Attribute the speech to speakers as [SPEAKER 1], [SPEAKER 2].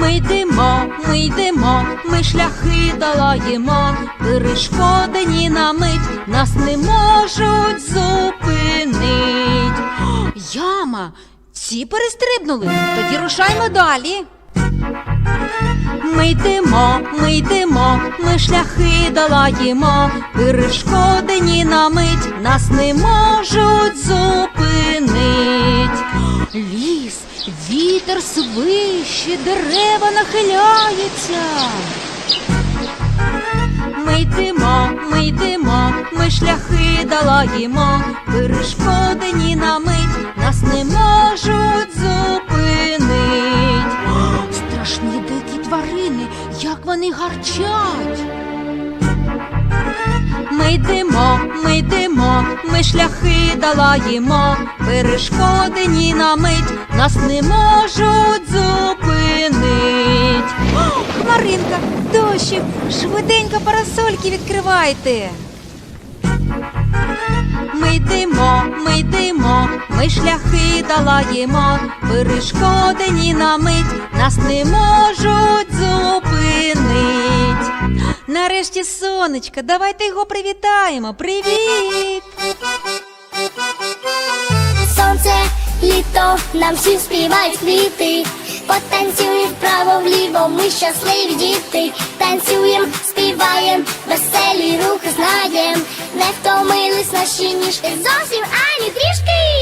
[SPEAKER 1] ми йдемо, ми шляхи долаємо, перешкоди на мить нас не можуть зупинить. Яма! Ці перестрибнули, тоді рушаймо далі. Ми йдемо, ми шляхи долаємо, перешкоди на мить нас не можуть зупинить. Ліс, вітер свище, дерева нахиляються. Ми йдемо, ми шляхи долаємо, перешкоди на мить нас не можуть зупинить. Страшні дикі тварини, як вони гарчать. Ми йдемо, ми шляхи долаємо, перешкоди на мить нас не можуть зупинить. Хмаринка, дощик, швиденько парасольки відкривайте. Ми йдемо, ми шляхи долаємо, перешкоди на мить нас не можуть зупинить. Нарешті сонечко, давайте його привітаємо. Привіт!
[SPEAKER 2] Сонце, літо, нам всі співають квіти. Потанцюємо вправо-вліво, ми щасливі діти. Танцюєм, співаєм, веселі рухи знаєм. Не втомились наші ніжки зовсім ані трішки.